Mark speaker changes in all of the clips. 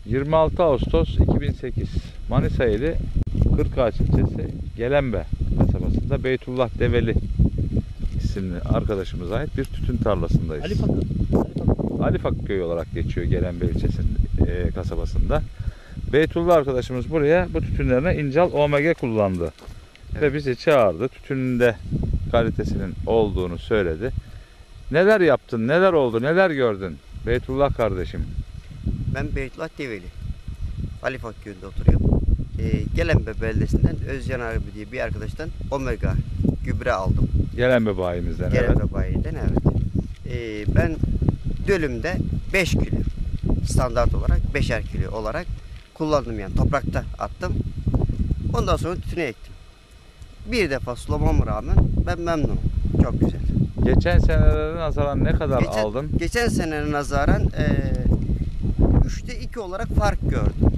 Speaker 1: 26 Ağustos 2008 Manisa ili Kırkağaç ilçesi Gelenbe kasabasında Beytullah Develi isimli arkadaşımıza ait bir tütün tarlasındayız. Alifak köyü olarak geçiyor Gelenbe ilçesinin kasabasında. Beytullah arkadaşımız buraya bu tütünlerine İncal OMG kullandı. Evet. Ve bizi çağırdı. Tütününde kalitesinin olduğunu söyledi. Neler yaptın, neler oldu, neler gördün Beytullah kardeşim?
Speaker 2: Ben Beytullah Develi. Alifak köyünde oturuyorum. Gelenbe beldesinden Özcan abi diye bir arkadaştan Omega gübre aldım.
Speaker 1: Gelenbe bayimizden.
Speaker 2: Gelenbe bayiden, evet. Ben dönümde 5 kilo standart olarak 5'er kilo olarak kullandım, yani toprakta attım. Ondan sonra tütüne ektim. Bir defa sulamama rağmen ben memnunum. Çok güzel.
Speaker 1: Geçen senelere nazaran ne kadar aldın?
Speaker 2: Geçen seneye nazaran 3'te 2 olarak fark gördüm.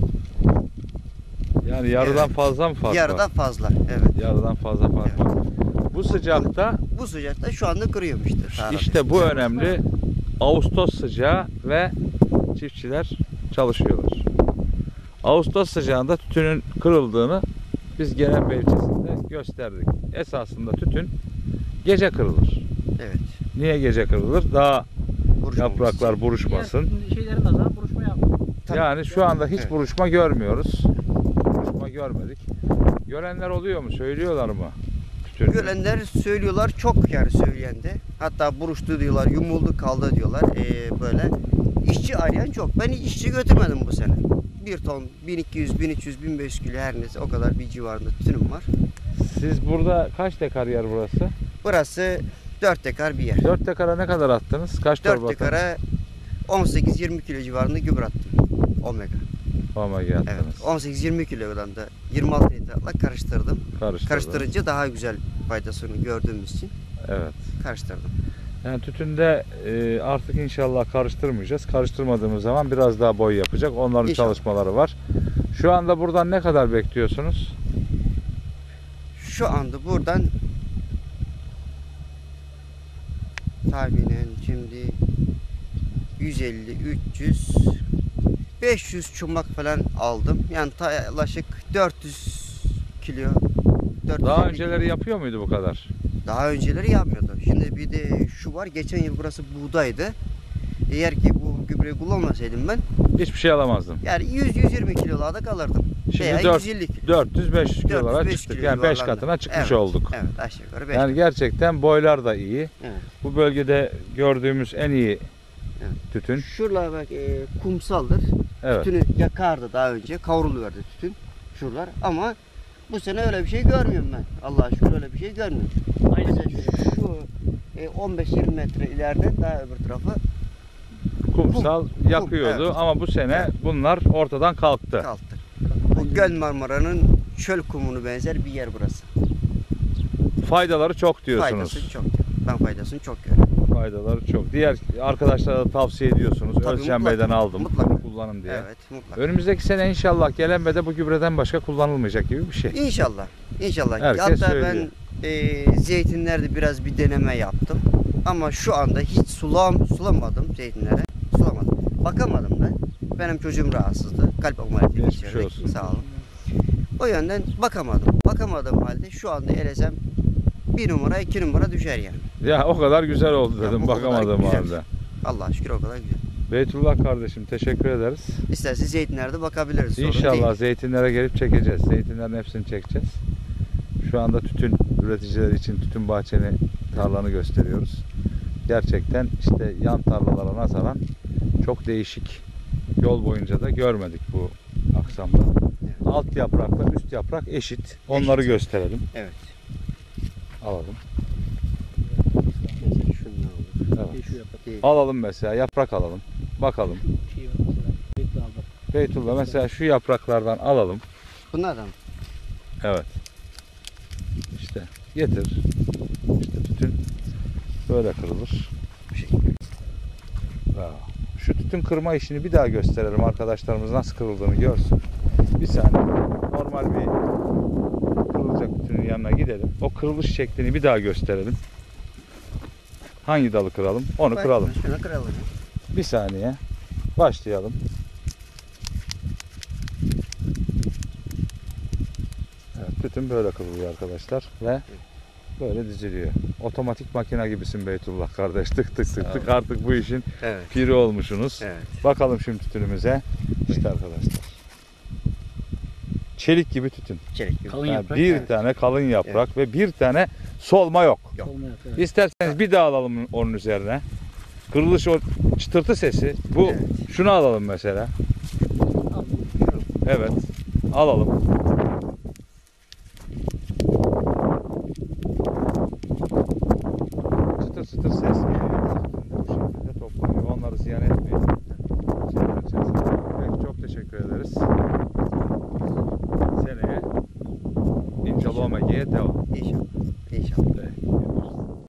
Speaker 1: Yani yarıdan fazla mı fark var?
Speaker 2: Yarıdan fazla, evet.
Speaker 1: Yarıdan fazla fark var. Bu sıcakta
Speaker 2: şu anda kırıyorum işte.
Speaker 1: İşte bu önemli. Ağustos sıcağı ve çiftçiler çalışıyorlar. Ağustos sıcağında tütünün kırıldığını biz Gelenbe ilçesinde gösterdik. Esasında tütün gece kırılır.
Speaker 2: Evet.
Speaker 1: Niye gece kırılır? Daha yapraklar buruşmasın.
Speaker 3: Şeylerin nazaran buruşma yapıyor.
Speaker 1: Yani şu anda hiç buruşma görmüyoruz. Buruşma görmedik. Görenler oluyor mu? Söylüyorlar mı? Tütün.
Speaker 2: Görenler söylüyorlar, çok yani söyleyen de. Hatta buruştu diyorlar, yumuldu kaldı diyorlar. Böyle işçi arayan çok. Ben hiç işçi götürmedim bu sene. 1 ton 1200, 1300, 1500 kilo her neyse o kadar bir civarında tütünüm var.
Speaker 1: Siz burada kaç dekar yer burası?
Speaker 2: Burası 4 dekar bir yer.
Speaker 1: 4 dekara ne kadar attınız? Kaç
Speaker 2: 4
Speaker 1: torba
Speaker 2: dekara 18-20 kilo civarında gübre attım. Omega.
Speaker 1: Omega attınız.
Speaker 2: Evet. 18-20 kilodan da 26 litreyle karıştırdım. Karıştırınca daha güzel faydasını gördüğümüz için
Speaker 1: evet,
Speaker 2: karıştırdım.
Speaker 1: Yani tütünde artık inşallah karıştırmayacağız. Karıştırmadığımız zaman biraz daha boy yapacak. Onların
Speaker 2: İnşallah.
Speaker 1: çalışmaları var. Şu anda buradan ne kadar bekliyorsunuz?
Speaker 2: Şu anda buradan tahminen şimdi 150, 300, 500 çumak falan aldım. Yani yaklaşık 400 kilo. 450
Speaker 1: Daha önceleri yapıyor muydu bu kadar?
Speaker 2: Daha önceleri yapmıyordu. Şimdi bir de şu var, geçen yıl burası buğdaydı. Eğer ki bu gübreyi kullanmasaydım ben
Speaker 1: Hiçbir şey alamazdım.
Speaker 2: yani 100-120 kilolarda kalırdım.
Speaker 1: Şimdi
Speaker 2: veya 150 kilo.
Speaker 1: 400-500 kilolara
Speaker 2: 400-500
Speaker 1: çıktık.
Speaker 2: kilo
Speaker 1: Yani 5
Speaker 2: civarlarında.
Speaker 1: katına çıkmış
Speaker 2: Evet,
Speaker 1: olduk.
Speaker 2: Evet, aşağı yukarı 5
Speaker 1: Yani gerçekten boylar da iyi.
Speaker 2: Evet.
Speaker 1: Bu bölgede gördüğümüz en iyi tütün.
Speaker 2: Şuralar bak kumsaldır.
Speaker 1: Evet.
Speaker 2: Tütünü yakardı daha önce. Kavruluyordu tütün. Şuralar. Ama bu sene öyle bir şey görmüyorum ben. Allah'a şükür öyle bir şey görmüyorum. Mesela şu 15-20 metre ileride daha öbür tarafı
Speaker 1: Kumsal yakıyordu,
Speaker 2: evet.
Speaker 1: Ama bu sene bunlar ortadan kalktı.
Speaker 2: kalktı. Bu Göl Marmara'nın çöl kumunu benzer bir yer burası.
Speaker 1: Faydaları çok diyorsunuz.
Speaker 2: Faydasını çok. Ben faydasını çok görüyorum.
Speaker 1: Faydaları çok. Diğer arkadaşlara da tavsiye ediyorsunuz.
Speaker 2: Tabii,
Speaker 1: Özcan Bey'den aldım.
Speaker 2: mutlaka.
Speaker 1: Kullanın diye.
Speaker 2: Evet, mutlaka.
Speaker 1: Önümüzdeki sene inşallah Gelenbe'de bu gübreden başka kullanılmayacak gibi bir şey.
Speaker 2: İnşallah. İnşallah.
Speaker 1: Herkes
Speaker 2: Hatta
Speaker 1: söylüyor.
Speaker 2: ben zeytinlerde biraz bir deneme yaptım. Ama şu anda hiç sulamadım zeytinlere. Sulamadım. Bakamadım ben. Benim çocuğum rahatsızdı. Kalp ameliyatı
Speaker 1: Geçmiş olsun.
Speaker 2: Sağ olun. O yönden bakamadım. Bakamadığım halde şu anda elesem 1 numara 2 numara düşer yani.
Speaker 1: Ya o kadar güzel oldu
Speaker 2: Ya,
Speaker 1: dedim
Speaker 2: o kadar
Speaker 1: bakamadığım
Speaker 2: güzel.
Speaker 1: halde.
Speaker 2: Allah'a şükür o kadar güzel.
Speaker 1: Beytullah kardeşim teşekkür ederiz.
Speaker 2: İsterseniz zeytinlerde bakabiliriz. Sorun
Speaker 1: İnşallah
Speaker 2: değil.
Speaker 1: zeytinlere gelip çekeceğiz. Zeytinlerin hepsini çekeceğiz. Şu anda tütün üreticileri için tütün bahçeni, tarlanı gösteriyoruz. Gerçekten işte yan tarlalara nazaran çok değişik. Yol boyunca da görmedik bu aksamda.
Speaker 2: Evet.
Speaker 1: Alt yaprakla üst yaprak eşit. Onları gösterelim.
Speaker 2: Evet.
Speaker 1: Alalım.
Speaker 2: Mesela şunlar olur.
Speaker 1: Evet.
Speaker 3: Şu yaprak.
Speaker 2: Değil.
Speaker 1: Alalım mesela yaprak alalım. Bakalım.
Speaker 3: Şey var mesela. Bekle aldım.
Speaker 1: Beytullah mesela şu yapraklardan alalım.
Speaker 2: Bunlardan.
Speaker 1: Evet. İşte getir. İşte tütün böyle kırılır.
Speaker 2: Bu şekilde.
Speaker 1: Bravo. Şu tütün kırma işini bir daha gösterelim. Arkadaşlarımız nasıl kırıldığını görsün. Bir saniye. Normal bir kırılacak tütünün yanına gidelim. O kırılış şeklini bir daha gösterelim. Hangi dalı kıralım? Onu kıralım.
Speaker 2: Şunu kıralım.
Speaker 1: Bir saniye. Başlayalım. Tütün böyle kırılıyor arkadaşlar ve böyle diziliyor. Otomatik makine gibisin Beytullah kardeş. Tık tık tık tık artık bu işin
Speaker 2: Evet.
Speaker 1: piri olmuşsunuz.
Speaker 2: Evet.
Speaker 1: Bakalım şimdi tütünümüze. İşte arkadaşlar. Çelik gibi tütün.
Speaker 2: Çelik gibi.
Speaker 3: Kalın
Speaker 1: Yani
Speaker 3: yaprak.
Speaker 1: bir
Speaker 2: Evet.
Speaker 1: tane kalın yaprak ve bir tane solma yok.
Speaker 2: Yok.
Speaker 3: Olmuyor, evet.
Speaker 1: İsterseniz bir daha alalım onun üzerine. Kırılış o çıtırtı sesi. Bu
Speaker 2: Evet.
Speaker 1: şunu alalım mesela.
Speaker 3: Al.
Speaker 1: Evet. Alalım. Çıtır çıtır ses geliyor. Bu şekilde toplanıyor. Onları ziyan etmeyin.